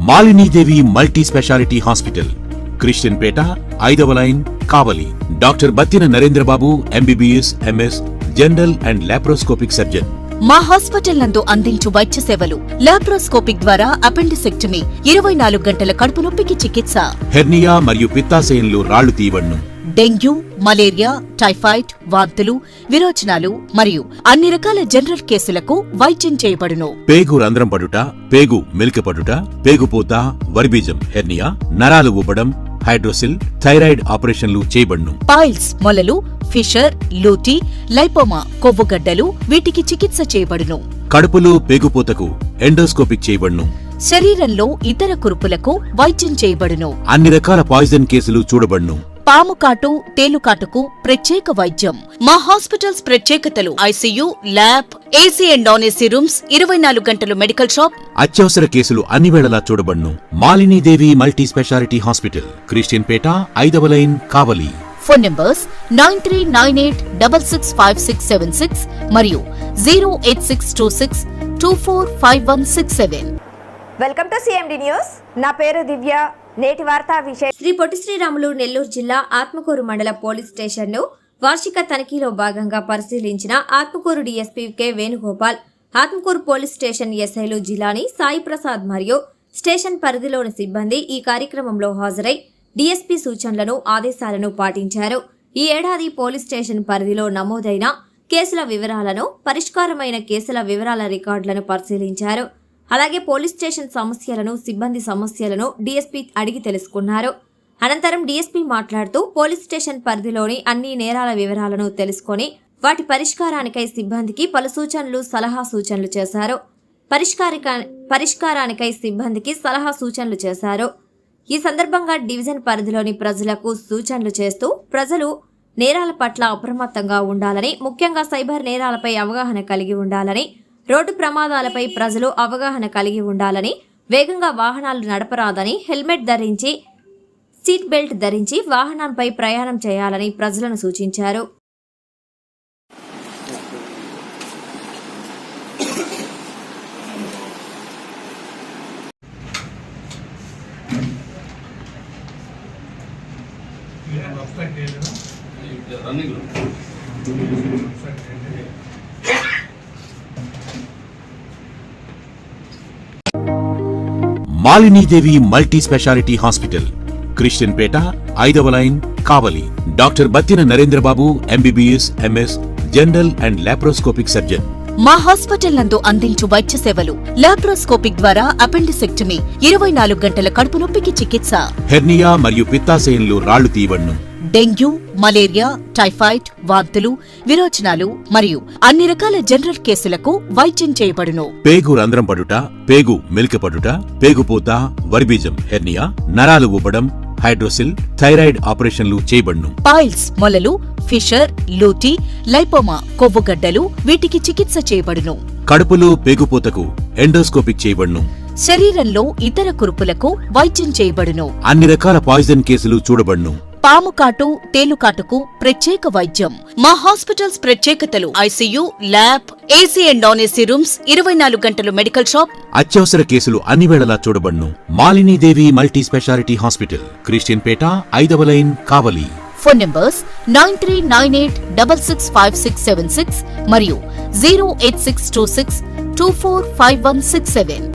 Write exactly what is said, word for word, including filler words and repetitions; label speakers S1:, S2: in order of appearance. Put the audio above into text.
S1: Malinidevi multi speciality hospital, Christian Peta, ఐదవ line, Kavali. Doctor Battina Narendrababu, MBBS, MS, general and laparoscopic surgeon.
S2: మా hospital నందు అందించు వైద్య సేవలు: లాప్రోస్కోపిక్ ద్వారా అపెండిసెక్టమీ, ఇరవై నాలుగు గంటల కడుపు నొప్పికి చికిత్స,
S1: హెర్నియా మరియు పిత్తాశయంలో రాళ్లు తీయబడును,
S2: డెంగ్యూ, మలేరియా, టైఫాయిడ్, వాంతులు, విరోచనాలు మరియు అన్ని రకాల జనరల్ కేసులకు వైద్యం చేయబడును.
S1: పేగు రంధ్రం పడుట, పేగు మెలికపడుట, పేగుపోత, వర్బీజం, హెర్నియా, నరాలు ఊపడం, హైడ్రోసిల్, థైరాయిడ్ ఆపరేషన్లు చేయబడును.
S2: పైల్స్, మొలలు, ఫిషర్, లూటీ, లైపోమా, కొవ్వుగడ్డలు వీటికి చికిత్స చేయబడును.
S1: కడుపులో పేగుపోతకు ఎండోస్కోపిక్ చేయబడును.
S2: శరీరంలో ఇతర కురుపులకు వైద్యం చేయబడును.
S1: అన్ని రకాల పాయిజన్ కేసులు చూడబడును.
S2: పాము కాటు, తేలుకాటుకు ప్రత్యేక వైద్యం. మా హాస్పిటల్స్ ప్రత్యేకతలు: ICU, lab, AC and non AC rooms, ఇరవై నాలుగు గంటలు మెడికల్ షాప్.
S1: అత్యవసర కేసులు అన్ని వేళలా చూడబడును. Malinidevi multi speciality hospital, Christian Peta, ఐదవ line, Kavali.
S2: Phone numbers nine three nine eight double six five six seven six మరియు zero eight six two six two four five one six seven.
S3: Welcome to CMD news. నా పేరు దివ్య. నేటి వార్తా విషయం:
S4: శ్రీ పొట్టి శ్రీరాములు నెల్లూరు జిల్లా ఆత్మకూరు మండల police స్టేషన్ను వార్షిక తనిఖీలో భాగంగా పరిశీలించిన Atmakur DSP K Venugopal, Atmakur police station ఎస్ఐలు జిలాని సాయి ప్రసాద్ మరియు స్టేషన్ పరిధిలోని సిబ్బంది ఈ కార్యక్రమంలో హాజరై డీఎస్పీ సూచనలను, ఆదేశాలను పాటించారు. ఈ ఏడాది పోలీస్ స్టేషన్ పరిధిలో నమోదైన కేసుల వివరాలను, పరిష్కారమైన కేసుల వివరాల రికార్డులను పరిశీలించారు. అలాగే పోలీస్ స్టేషన్ సమస్యలను, సిబ్బంది సమస్యలను డీఎస్పీ అడిగి తెలుసుకున్నారు. అనంతరం డీఎస్పీ మాట్లాడుతూ పోలీస్ స్టేషన్ పరిధిలోని అన్ని నేరాల వివరాలను తెలుసుకొని వాటి పరిష్కారానికై సిబ్బందికి పలు సూచనలు, సలహా సూచనలు చేశారు. పరిష్కారిక పరిష్కారానికై సిబ్బందికి సలహా సూచనలు చేశారు. ఈ సందర్భంగా డివిజన్ పరిధిలోని ప్రజలకు సూచనలు చేస్తూ ప్రజలు నేరాల పట్ల అప్రమత్తంగా ఉండాలని, ముఖ్యంగా సైబర్ నేరాలపై అవగాహన కలిగి ఉండాలని, రోడ్డు ప్రమాదాలపై ప్రజలు అవగాహన కలిగి ఉండాలని, వేగంగా వాహనాలు నడపరాదని, హెల్మెట్ ధరించి, సీట్ బెల్ట్ ధరించి వాహనంపై ప్రయాణం చేయాలని ప్రజలను సూచించారు.
S1: Malinidevi multi speciality hospital, Christian Peta, ఐదవ line, Kavali. Doctor Battina Narendrababu, MBBS, MS, general and laparoscopic surgeon.
S2: మా హాస్పిటల్ నందు అందించు వైద్య సేవలు: లాప్రోస్కోపిక్ ద్వారా అపెండిసెక్టమీ, ఇరవై నాలుగు గంటల కడుపు నొప్పికి చికిత్స,
S1: హెర్నియా మరియు పిత్తాశయంలో రాళ్లు తీయబడును,
S2: డెంగ్యూ, మలేరియా, టైఫాయిడ్, వాంతులు, విరోచనాలు మరియు అన్ని రకాల జనరల్ కేసులకు వైద్యం చేయబడును.
S1: పేగు రంధ్రం పడుట, పేగు మెలికపడుట, పేగుపోత, వర్బీజం, హెర్నియా, నరాలు ఊపడం, హైడ్రోసిల్, థైరాయిడ్ ఆపరేషన్లు చేయబడును.
S2: పైల్స్, మొలలు, ఫిషర్, లూటీ, లైపోమా, కొవ్వుగడ్డలు వీటికి చికిత్స చేయబడును.
S1: కడుపులో పేగుపోతకు ఎండోస్కోపిక్ చేయబడును.
S2: శరీరంలో ఇతర కురుపులకు వైద్యం చేయబడును.
S1: అన్ని రకాల పాయిజన్ కేసులు చూడబడును.
S2: పాము కాటు, తేలుకాటుకు ప్రత్యేక వైద్యం. మా హాస్పిటల్స్ ప్రత్యేకతలు: ICU, lab, AC and non AC rooms, ఇరవై నాలుగు గంటలు మెడికల్ షాప్.
S1: అత్యవసర కేసులు అన్ని వేళలా చూడబడును. Malinidevi multi speciality hospital, Christian Peta, ఐదవ line, Kavali.
S2: Phone numbers nine three nine eight double six five six seven six మరియు zero eight six two six two four five one six seven.